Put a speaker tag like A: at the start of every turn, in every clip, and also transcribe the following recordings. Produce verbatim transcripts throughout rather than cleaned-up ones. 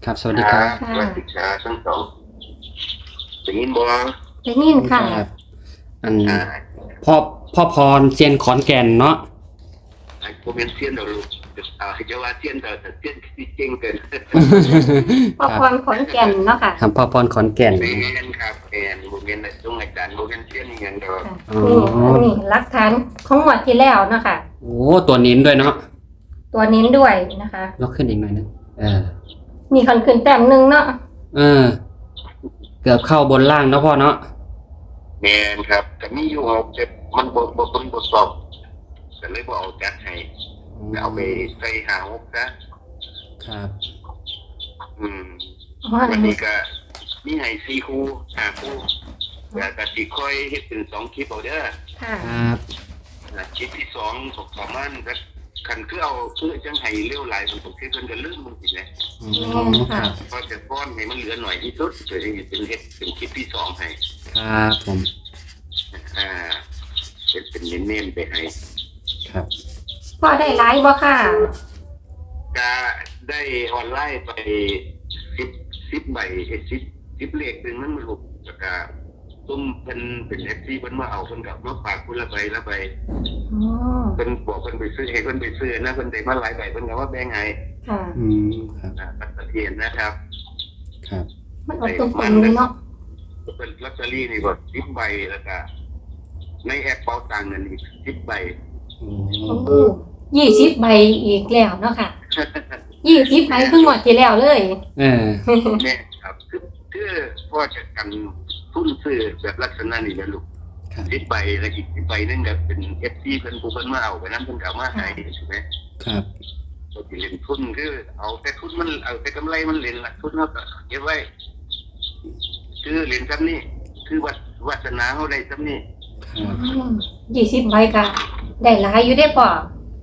A: ครับสวัสดีครับ
B: สวัสดีครับทั้งสองได้ยินบ่
C: ได้ยินค่ะ
A: ครับอัน
B: อ่า
A: พ่อพ่อพรเซียนขอนแก่นเนาะ
B: ไอ้พวกเป็นเสี้ยนเราลูกอ่าจะว่าเสี้ยนแต่แต่เสี้ยนที่เก่งเกิน
C: พ่อพรขอนแก่นเนาะค่ะ
A: ครับพ่อพรขอนแก่น
B: แม่นครับแม่นบ่แม่นได้ตรงอาจารย์บ่แม่นเสี้ยนอีหยังดอก
A: อ๋อ
C: นี่อันนี้หลักฐานของงวดที่แล้วเนาะค่ะ
A: โอ้ตัวนิ้นด้วยเนาะ
C: ตัวนี้ด้วยนะคะ
A: ยกขึ้นอีกหน่อยนึงเออ
C: นี่คันขึ้นแต้มหนึ่งเนาะ
A: เออ เกือบเข้าบนล่างเนาะพ่อเนาะ
B: แม่นครับก็มีอยู่ครับแต่มันบ่บ่เบิ่งบ่สอบก็เลยบ่เอาจัดให้เอาไปใส่หาหกซะ
A: ครับ
B: อืม
C: อ๋อ
B: วันนี้ก็มีให้สี่คู่ห้าคู่แต่ก็สิค่อยเฮ็ดเป็นสองคลิปเอาเด้อ
C: ค่ะ
A: ครับ
B: อ่าคลิปที่สองสประมาณก็คันคือเอาเพื่อจังให้เร็วหลายผมคิดเพิ่นก็ลืมมันสิแหละ
A: อ๋อครับ
B: พอจะป้อนให้มันเหลือหน่อยที่สุดจะได้เป็นเฮ็ดเป็นคลิปที่สองให้
A: ครับผม
B: อ่าเป็นเป็นเน้นๆไปให้
A: ครับ
C: พ่อได้ไลฟ์บ่ค่ะ
B: ก็ได้ออนไลน์ไปสิบสิบใบเฮ็ดสิบสิบเลขหนึงมันมันลูกแล้วก็ตุ้มเพิ่นเป็น เอฟ ซี เพิ่นมาเอาเพิ่นก็มาฝากคนละใบละใบ
C: อ๋อ
B: เพิ่นบอกเพิ่นไปซื้อให้เพิ่นไปซื้อนะเพิ่นได้มาหลายใบเพิ่นก็ว่าแบ่งให้
C: ค่ะ
A: อืมครับ
B: อ่าปัตตะเทียนนะครับ
A: ครับ
C: มันออกตรงๆเลยเนาะ
B: เป็นลอตเตอรี่นี่ก็สิบใบแล้วก็ในแอปเป๋าตังค์นั่นอีกสิบใบ
A: โอ้
C: โอ้ยี่สิบใบอีกแล้วเนาะค่ะยี่สิบใบเพิ่งงวดที่แล้วเลย
A: เออ
B: แม่ครับคือคือพ่อจะกันทุนซื้อแบบลักษณะนี้นะลูก
A: ครับ
B: สิบใบแล้วอีกสิบใบนึงก็เป็นเอฟซีเพิ่นผู้เพิ่นมาเอาไปนำเพิ่นก็เอามาให้ใช่ไหม
A: ครับ
B: ตัวที่เล่นทุนคือเอาแต่ทุนมันเอาแต่กำไรมันเล่นละทุนเฮาก็เก็บไว้คือเล่นซ้ำนี่คือวัดวาสนาเฮาได้ซ้ำนี่
A: ครับ
C: ยี่สิบใบก็ได้หลายอยู่ได้ป่อ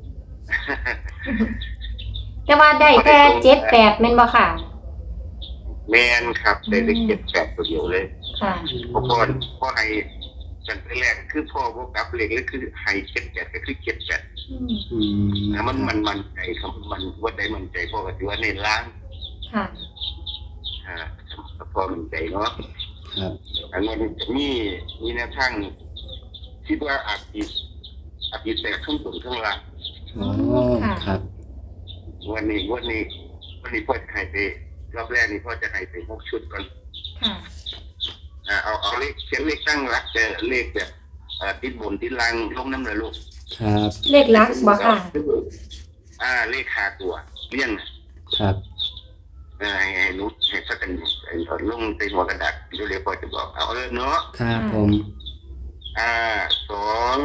C: แต่ว่าได้แค่เจ็ดแปดแม่นบ่ค่ะ
B: แม่นครับได้เลขเจ็ดแปดตัวเดียวเลย
C: ค่ะ
B: พอพ่อพ่อให้จันทร์แรกคือพ่อบ่กลับเลขเลยคือให้เจ็ดแปดก็คือเจ็ดแปด
C: อืม
A: อืม
B: นะมันมันมันใจครับมันว่าได้มันใจพ่อก็ถือว่าเน้นล้าง
C: ค่ะ
B: อ่าพ่อมันใจเนาะ
A: ครับ
B: อันนี้จะมีมีแนวทางคิดว่าอาจจะอาจจะแตกข้างบนข้างล่าง
A: โอ้ครับ
B: วันนี้วันนี้วันนี้พ่อจะให้ไปรอบแรกนี่พ่อจะให้ไปหกชุดก่อน
C: ค่ะ
B: อ่าเอาเอาเลขเขียนเลขตั้งรักแต่เลขแบบอ่าติดบนติดล่างลงน้ำเลยลูก
A: ครับ
C: เลขลักบ่ค่ะ
B: อ่าเลขหาตัวเลี่ยง
A: ครับ
B: อ่าให้ให้นุชให้สักกันไอ้ลงในหัวกระดาษเดี๋ยวเรียกพ่อจะบอกเอาเลยเนาะ
A: ครับผม
B: อ่าสอง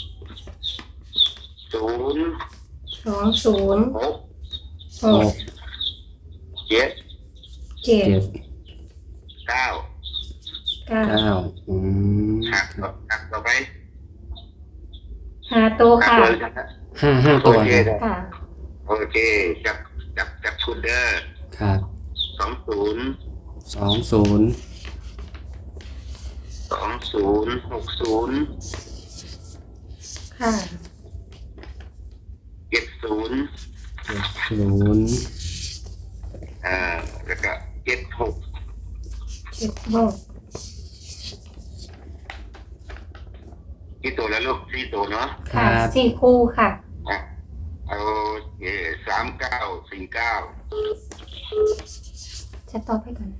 B: ศูนย์
C: สองศูนย์
B: หก
C: ห
A: ห
C: ก
A: ก
B: เจ็ด
C: เจ็ด
A: เจ็ด
B: เก้า
C: เก้า
A: เก้าอืม
B: หักต่อหักต่อไป
C: ห้าตัว
B: หัก
C: ค่ะ
B: เลยนะฮะ
A: ห้าห้า
B: โอ
A: ตัว
B: เค
A: ครับ
C: ค่ะ
B: โอเคจับจับจับชุดเด้อ
A: ครับ
B: สองศูนย์
A: สองศูนย์
B: สองศูนย์หกศูนย์
C: ค่ะ
B: เจ็ดศูนย์
A: เจ็ดศูนย์
B: อ่าแล้วก็เจ็ดหก
C: เจ็ดหก
B: กี่ตัวแล้วลูกสี่ตัวเนาะ
A: ค
C: ค่ะ
A: รับ
C: สี่คู่ค่ะ
B: อ่ะเอาเอสามเก้าสี่เก้า
C: จะตอบให้ก่อน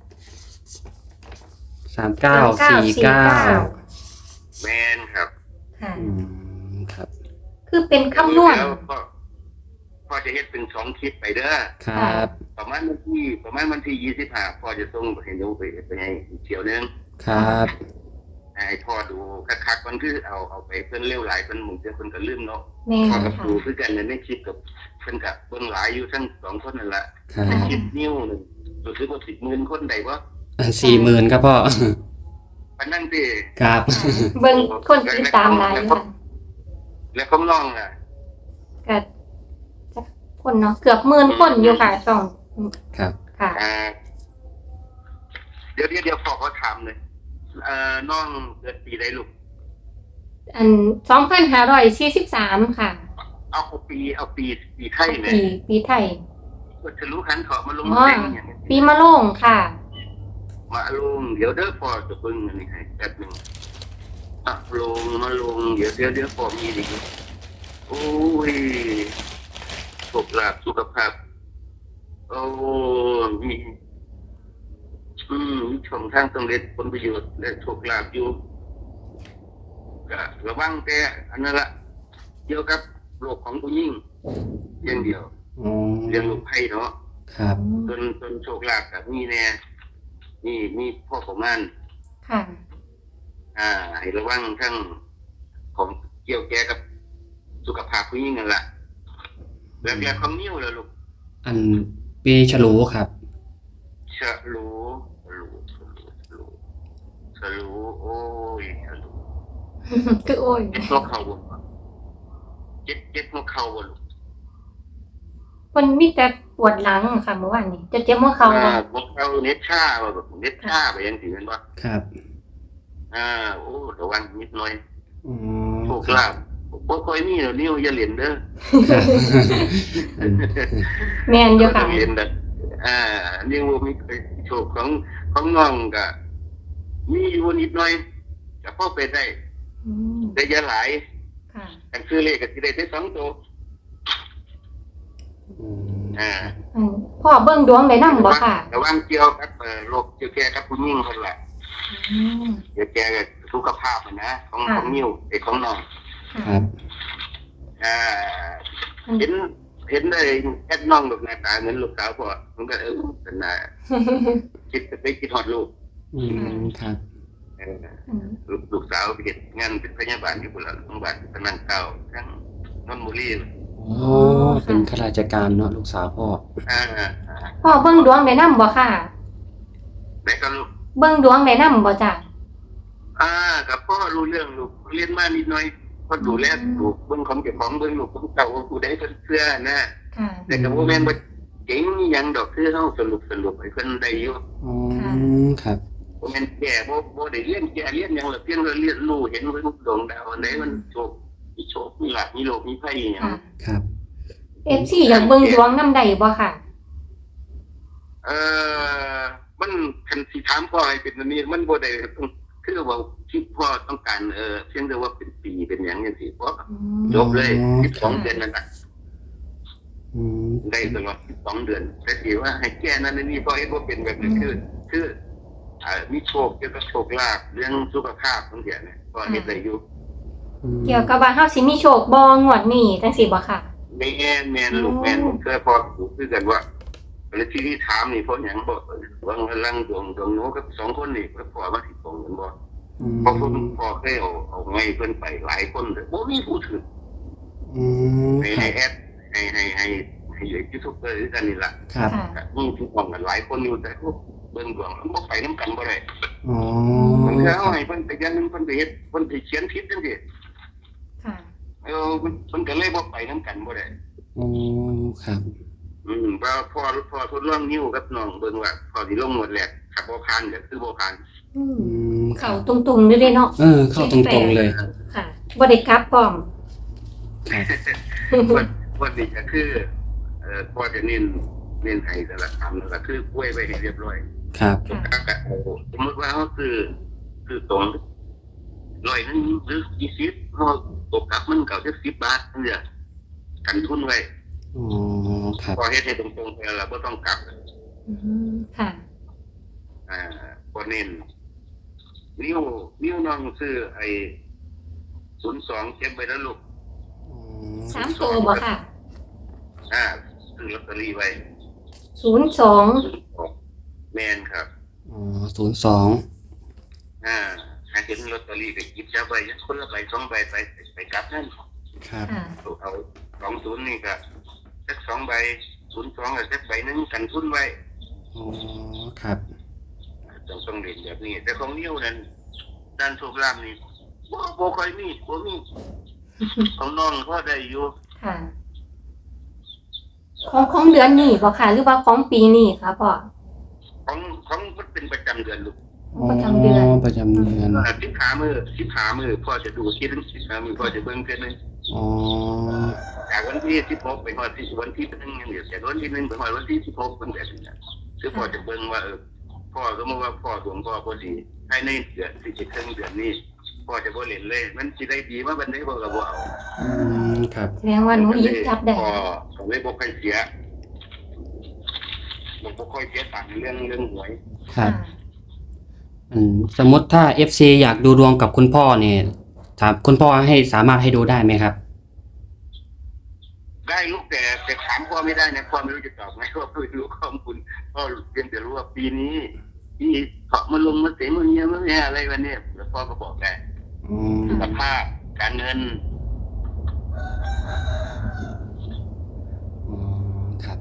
A: สามเก้าสี่เก้า
B: แมนครับ
C: ค่ะ
A: อืมครับ
C: คือเป็นคำนวณ
B: แล้วก็พ่อจะเฮ็ดเป็นสองคลิปไปเด้อ
A: ครับ
B: ประมาณวันที่ประมาณวันที่ยี่สิบห้าพ่อจะส่งให้ดูไปไปให้อีกเที่ยวนึง
A: ครับ
B: ให้พ่อดูคักๆมันคือเอาเอาไปเพิ่นเร็วหลายเพิ่นหมุนเพิ่นก็ลืมเนาะ
C: แม่
B: พ่อกับ
C: ค่ะ
B: ดูคือกันในคลิปกับเพิ่นกับเบิ่งหลายอยู่ทั้งสองคนนั่นละ
A: ครับ
B: คลิปนิ้วหนึงรู้สึกว่าสิบหมื่นคนได้บ่
A: สี่หมื่นครับพ่อ
B: ปานนั้นติ
A: ครับ
C: เบิ่งคนติดตามหลายค่ะ
B: แล้วของน้องอ่ะ
C: ก็จะคนเนาะเกือบหมื่นคนอยู่ค่ะสอง
A: ครับ
C: ค่ะ
B: อ่าเดี๋ยวเดี๋ยวเดี๋ยวพ่อขอถามเลยเอ่อน้องเกิดปีใดลูก
C: อันสองพันห้าร้อยสี่สิบสามค่ะ
B: เอาปีเอาปีปีไทยเลย
C: ปีปีไทย
B: ปก็จะรู้ขันเถาะมาลง
C: อ๋อ
B: เต็งอย่างนี้
C: ปีมะโรงค่ะ
B: มาลงเดี๋ยวเด้อพอจะเบิ่งอันนี้ให้แป๊บหนึงอ่ะลงมาลงเดี๋ยวเดี๋ยวเดี๋ยวพอมีดีโอ้ยสุขภาพสุขภาพโอ้มีอืมมีช่องทางสำเร็จผลประโยชน์และโชคลาภอยู่ก็ระวังแต่อันนั้นละเกี่ยวกับโรคของผู้หญิงอย่างเดียว
A: อ๋อ
B: เรื่องโรคภัยเนาะ
A: ครับ
B: จนจนโชคลาภกับมีแน่นี่มีพ่อประมาณ
C: ค่ะ
B: อ่าให้ระวังทั้งของเกี่ยวแก่กับสุขภาพผู้หญิงนั่นแหละแล้วแกของนิ้วแล้วลูก
A: อันปีฉลูครับ
B: ฉลูฉลูฉลูฉลูฉลูโอ้ยฉลู
C: คือโอ้ย
B: เจ็บหัวเข่าบ่เจ็บเจ็บหัวเข่าบ่ลูก
C: มันมีแต่ปวดหลังค่ะเมื่อวานนี้จะเจ็บหัวเข่า
B: อ่า
C: บ่
B: หัวเข่าเน็ตชาบ่แบบเน็ตชาไปยังสิแม่นบ่
A: ครับ
B: อ่าโอ้ระวังนิดหน่อย
A: อ๋อ
B: โชคลาภบ่ค่อยมีแล้วนิ้วอย่าเล่นเด้อ
A: ครับ
C: แม่นอยู่ค่ะ
B: เห็นแบบอ่านี่ว่ามีโชคของของน้องก็มีอยู่นิดหน่อยจะพอไปได้
C: อืม
B: ได้เยอะหลาย
C: ค่ะ
B: กันซื้อเลขก็สิได้ได้สองตัว
A: อืม
B: อ่า
C: อืมพ่อเบิ่งดวงได้นำบ่ค่ะ
B: ระวังเกี่ยวกับเอ่อโรคเกี่ยวแก่กับผู้หญิงคนละ
C: อืม
B: เกี่ยวแก่กับสุขภาพอะนะของ
C: ค่ะ
B: ของนิ้วไอ้ของน้อง
A: ครับ
B: อ่าเห็นเห็นได้แอดน้องลูกหน้าตาเหมือนลูกสาวพ่อมันก็เออเป็นน่าคิดไปคิดฮอดลูก
A: อืมครับ
B: เออ
C: อืม
B: ลูกลูกสาวไปเฮ็ดงานเป็นพยาบาลอยู่พุ่นล่ะโรงพยาบาลพนันเก่าทั้งนนทบุรี
A: อ๋อเป็นข้าราชการเนาะลูกสาวพ่อ
B: อ่าอ่า
C: พ่อเบิ่งดวงได้นำบ่ค่ะ
B: แล้วก็ลูก
C: เบิ่งดวงได้นำบ่จ้ะ
B: อ่ากับพ่อรู้เรื่องลูกเรียนมานิดหน่อยพ่อดูแลลูกเบิ่งของเจ้าของเบิ่งลูกของเก่าผู้ใดเพิ่นเชื่อนะ
C: ค่ะ
B: แต่ก็บ่แม่นว่าเจ๋งอีหยังดอกคือเฮาสรุปสรุปให้เพิ่นได้อยู่
A: อ๋อ
C: ค่ะ
A: ครับ
B: บ่แม่นแก่บ่บ่ได้เรียนแก่เรียนหยังหรอกเพียงแต่เรียนรู้เห็นเพิ่นดวงดาวอันใดมันโชคมีโชคมีลาภมีโลกมีภัยอีหยัง
C: ค่ะ
A: ครับ
C: เอฟซีอยากเบิ่งดวงนำได้บ่ค่ะ
B: เอ่อมันคันสิถามพ่อให้เป็นอันนี้มันบ่ได้ต้องคือว่าที่พ่อต้องการเอ่อเพียงแต่ว่าเป็นปีเป็นหยังจังซี่พ่อ
C: อืม
B: จบเลย
A: อ๋อ
B: สิบสองเดือนนั่นน่ะ
A: อืม
B: ได้ตลอดสิบสองเดือนแต่ที่ว่าให้แก้นั่นนี่พ่อเฮ็ดบ่เป็นแบบนี้คือคืออ่ามีโชคเกี่ยวกับโชคลาภเรื่องสุขภาพบางอย่างเนี่ยพ่อเฮ็ดได้อยู่
A: อืม
C: เกี่ยวกับว่าเฮาสิมีโชคบ่งวดนี้จังซี่บ่ค่ะ
B: แม่นแม่นลูกแม่นผมเคยพอรู้คือกันว่าแล้วที่ที่ถามนี่เพราะหยังบ่วางลังดวงดวงโน้กับสองคนนี่ก็พอมาสิตรงกันบ่
A: อืม
B: เพราะเพิ่นพอเคยเอาเอาไงเพิ่นไปหลายคนเลยบ่มีผู้ถือ
A: อืม
B: ให้
A: ครั
B: ให้
A: บ
B: แอดให้ให้ให้ให้ยูทูบเบอร์ด้วยกันนี่ล่ะ
A: ครับ
C: ค่ะ
B: มีทุกคนกันหลายคนอยู่แต่พวกเบิ่งดวงมันบ่ไปนํกันบ่ได้
A: อ๋อ
B: มันคือเอาให้เพิ่นไปยันหนึงเพิ่นไปเฮ็ดเพิ่นไปเขียนผิดจังซี่
C: ค่ะ
B: เออเพิ่นเพิ่นก็เลยบ่ไปนํกันบ่ได้
A: อ๋อครับ
B: อืมว่าพ่อพ่อทดลองนิ้วกับน้องเบิ่งว่าพ่อสิลงหมดแหละถ้าบ่ผ่านก็คือบ่ผ่าน
C: อืม
A: อืมครั
C: เข้า
A: บ
C: ตรงๆเลยเด้เนาะ
A: เออ เข้าตรงๆเลย
C: ค่ะบ่ได้กลับพร้อม
A: ครับ
B: วันวันนี้ก็คือเอ่อพ่อจะเน้นเน้นให้แต่ละคำนั่นก็คือกล้วยไว้ให้เรียบร้อย
A: ครับ
C: ค่ะ
B: ก็เอาสมมติว่าเขาคือคือตรงร้อยหนึงหรือยี่สิบเขาตกกลับมันเก่าจะสิบบาทนั่นแหละกันทุนไว้
A: อ๋อครับ
B: พอเฮ็ดให้ตรงๆไปแล้วบ่ต้องกลับ
C: อืมค่ะ
B: อ่าพอเน้นนิ้วนิ้วน้องซื้อไอ้ศูนย์สองเก็บไว้แล้วลูก
A: อ๋อ
C: สามตัวบ่ค่ะ
B: อ่าซื้อลอตเตอรี่ไว้
C: ศูนย์สอง
B: แมนครับ
A: อ๋อศูนย์สอง
B: อ่าหาเห็นลอตเตอรี่ก็หยิบจับไว้คนละใบสองใบไปไปกลับนั่น
A: ครับ
C: ค่ะ
B: เอาสองศูนย์นี่ก็สักสองใบศูนย์สองกับสักใบหนึงกันทุนไว้
A: อ๋อครับ
B: ต้องต้องเรียนแบบนี้ แต่ของนิ้วนั้นด้านโชคลาภนี่บ่บ่ค่อยมีบ่มีของน้องพอได้อยู่
C: ค่ะ ของของเดือนนี้บ่ค่ะ หรือว่าของปีนี้คะพ่อ
B: ของของมันเป็นประจำเดือนลูก
C: ประจำเดือน
A: ประจำเดือน
B: สิบขามือสิบขามือพ่อจะดูคิดถึงสิบขามือพ่อจะเบิ่งเพิ่นนึง
A: อ๋อ
B: จากวันที่สิบหกไปหอดที่วันที่หนึ่งยังเหลือแต่วันที่หนึ่งไปหอดวันที่สิบหกเป็นแบบนี้คือพ่อจะเบิ่งว่าเออพ่อสมมติว่าพ่อดวงพ่อพอดีให้ในเดือนที่จะครึ่งเดือนนี้พ่อจะบ่เล่นเลยมันสิได้ดีว่าบันไดพ่อก็บ่เอา
A: อืมครับ
C: แสดงว่าหนูหยิบจับได้
B: พ่อก็เลยบ่ค่อยเสียบ่บ่ค่อยเสียตังค์เรื่องเรื่องหวย
A: ครับอืมสมมติถ้า เอฟ ซี อยากดูดวงกับคุณพ่อเนี่ยถามคุณพ่อให้สามารถให้ดูได้ไหมครับ
B: ได้ลูกแต่แต่ถามพ่อไม่ได้นะพ่อไม่รู้จะตอบไงว่าไม่รู้ข้อมูลพ่อเพียงแต่รู้ว่าปีนี้ปีเถาะมาลงมาเสียมาเงี้ยมาเนี่ยอะไรวันนี้แล้วพ่อก็บอกได้
A: อืม
B: สภาพการเงิน
A: อ๋อครับ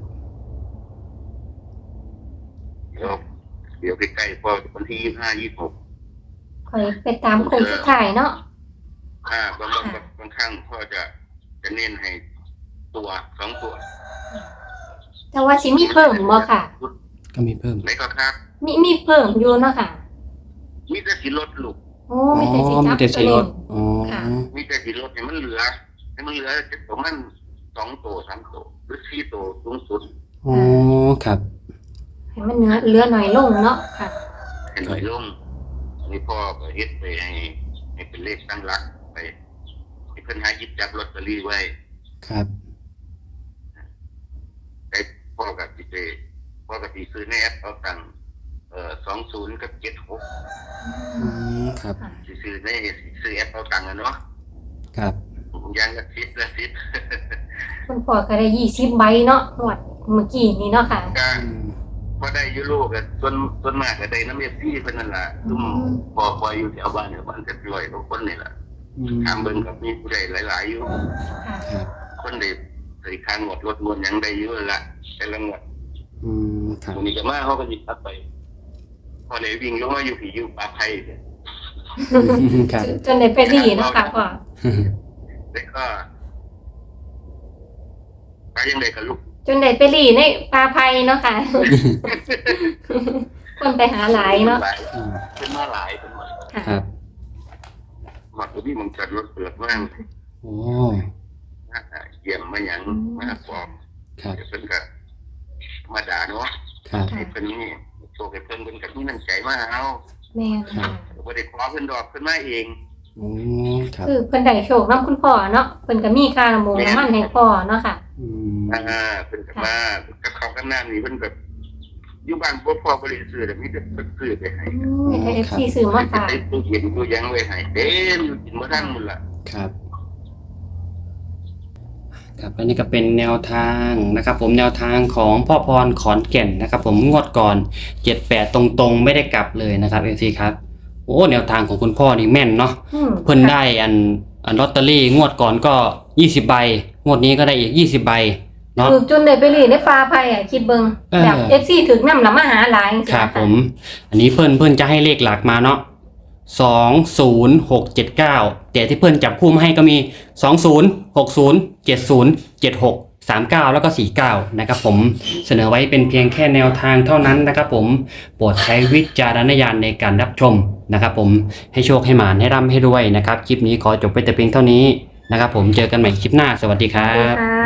B: เดี๋ยวเดี๋ยวใกล้ๆพ่อวันที่ยี่สิบห้ายี่สิบหก
C: คอยไปตามโค้งสุดท้ายเนาะ
B: อ่าบางบางบางครั้งพ่อจะจะเน้นให้ตัวสองตัว
C: แต่ว่าสิมีเพิ่มบ่ค่ะ
A: ก็มีเพิ่ม
B: ไหนก็ครับ
C: มีมีเพิ่มอยู่เนาะค่ะ
B: มีแต่สีลดลูก
C: โอ้
A: อ๋อ
C: มีแต่สิจั
A: มี
C: บ
A: แต่
C: ตั
A: สี
C: ว
A: ร
C: นี้
A: ถอ๋อ
C: ค่ะ
B: มีแต่สีลดให้มันเหลือให้มันเหลือจะประมาณสองตัวสามตัวหรือสี่ตัวสูงสุด
A: อ๋อครับ
C: ให้มันเนื้อเหลือหน่อยลงเนาะค่ะ
B: ให้หน่อยลงอันนี้พ่อก็เฮ็ดไปให้ให้เป็นเลขตั้งหลักไปให้เพิ่นหาหยิบจับลอตเตอรี่ไว้
A: ครับ
B: แต่พ่อกับสิไปพ่อกับสิซื้อในแอปเอาตังค์เอ่อสองศูนย์กับเจ็ดหก
A: อืมครับ
B: สิซื้อในซื้อแอปเอาตังค์อะเนาะ
A: ครับ
B: ยางละสิบละสิบ
C: คุณพ่อก็ได้ยี่สิบใบเนาะงวดเมื่อกี้นี้เนาะค่ะ
B: ก็
A: อืม
B: พอได้อยูโรก็ส่วนส่วนมากก็ได้น้ำเอฟซีเพิ่นนั่นล่ะซุ่มพอพออยู่แถวบ้านเนี่ยบ้านจะร้อยกว่าคนนี่ล่ะ
A: อืม
B: ถามเบิ่งก็มีผู้ใดหลายๆอยู่
C: ค่ะ
A: ครับ
B: คนได้ใส่ค้างงวดรถมวนหยังได้อยู่ละแต่ละงวด
A: อืมครับ
B: วันนี้ก็มาเฮาก็หยิบรับไป พอได้วิ่งลงมาอยู่ผีอยู่ป่าไผ่เนี่ย
A: ครับ
C: จนจนได้ไปดีเนาะค่ะพ่อ
B: แต่ก็ไปยังไดก็ลูก
C: จนได้ไปรีในปลาไพเนาะค่ะ คนไปหาหลายเนาะ
A: อืม
B: เป็นมาหลายเป็นมา
C: ค่ะ
A: ครับ
B: หมักที่มันจัดรถเปิดมาก
A: โอ้
B: มาเยี่ยมมาหยังมาปลอม
A: ครับ
B: เดี๋ยวเพิ่นก็มาด่าเนาะ
A: ครับ
B: ให้เพิ่นนี่โชคให้เพิ่นเพิ่นก็มีน้ำใจมาเอา
C: แม่นค่ะ
B: บ่ได้ขอเพิ่นดอกเพิ่นมาเอง
A: โอ้ครับ
C: คือเพิ่นได้โชคนำคุณพ่อเนาะเพิ่นก็มีค่าน้ำมูกน้ำมันให้พ่อเนาะค่ะ
A: อืม
B: อ่าเพิ่นก็มากับเขากับน้ำนี่เพิ่นก็อยู่บ้านบ่พอบ่ได้ซื้อแต่มีแต่เพิ่นซื้อไปให้
C: อืมให้ เอฟ ซี ซื้อมาฝาก
B: ไอ้ตู้เย็นตู้หยังไว้ให้เต็มอยู่กินบ่ทันหมดล่ะ
A: ครับ ครับและนี่ก็เป็นแนวทางนะครับ ผมแนวทางของพ่อพรขอนแก่นนะครับ ผมงวดก่อนเจ็ดแปดตรงๆไม่ได้กลับเลยนะครับเอฟซีครับโอ้แนวทางของคุณพ่อนี่แม่นเนาะ
C: อืม
A: เพิ่นได้อันอันลอตเตอรี่งวดก่อนก็ยี่สิบใบงวดนี้ก็ได้อีกยี่สิบใบเนาะ
C: คือจนได้ไปรีในปลาไพอ่ะคิดเบิ่ง
A: เออ
C: แบบ เอฟ ซี ถึงนำละมาหาหลายจังซี่
A: ครับ
C: นะะ
A: ผม อันนี้เพิ่นเพิ่นจะให้เลขหลักมาเนาะสองศูนย์หกเจ็ดเก้าแต่ที่เพิ่นจับคู่มาให้ก็มีสองศูนย์หกศูนย์เจ็ดศูนย์เจ็ดหกสามเก้าแล้วก็สี่เก้านะครับผมเสนอไว้เป็นเพียงแค่แนวทางเท่านั้นนะครับผมโปรดใช้วิจารณญาณในการรับชมนะครับผมให้โชคให้หมานให้ร่ำให้รวยนะครับคลิปนี้ขอจบไปแต่เพียงเท่านี้นะครับผมเจอกันใหม่คลิปหน้าสวัสดีครั
C: สวัสดี
A: บ
C: ค่ะ